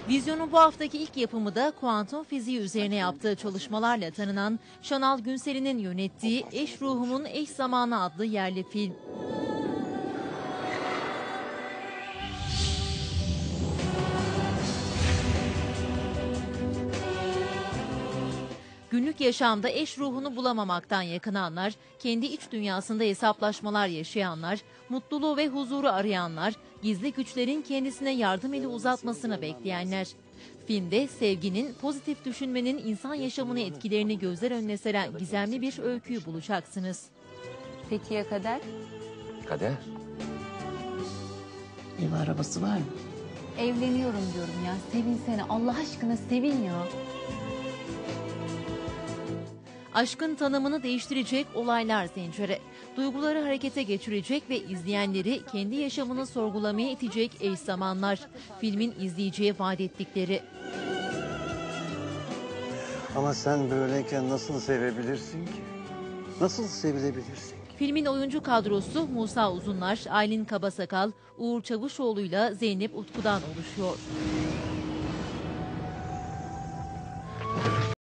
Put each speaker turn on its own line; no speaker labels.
Vizyon'un bu haftaki ilk yapımı da kuantum fiziği üzerine yaptığı çalışmalarla tanınan Şanal Günsel'in yönettiği Eş Ruhumun Eş Zamanı adlı yerli film. Günlük yaşamda eş ruhunu bulamamaktan yakınanlar, kendi iç dünyasında hesaplaşmalar yaşayanlar, mutluluğu ve huzuru arayanlar, gizli güçlerin kendisine yardım eli uzatmasını bekleyenler. Filmde sevginin, pozitif düşünmenin insan yaşamını etkilerini gözler önüne seren gizemli bir öyküyü bulacaksınız.
Peki ya Kader?
Kader.
Ev arabası var mı?
Evleniyorum diyorum ya. Sevinsene. Allah aşkına sevin ya.
Aşkın tanımını değiştirecek olaylar zinciri, duyguları harekete geçirecek ve izleyenleri kendi yaşamını sorgulamaya itecek eş zamanlar, filmin izleyiciye vaat ettikleri.
Ama sen böyleyken nasıl sevebilirsin ki? Nasıl sevilebilirsin ki?
Filmin oyuncu kadrosu Musa Uzunlar, Aylin Kabasakal, Uğur Çavuşoğlu'yla Zeynep Utku'dan oluşuyor.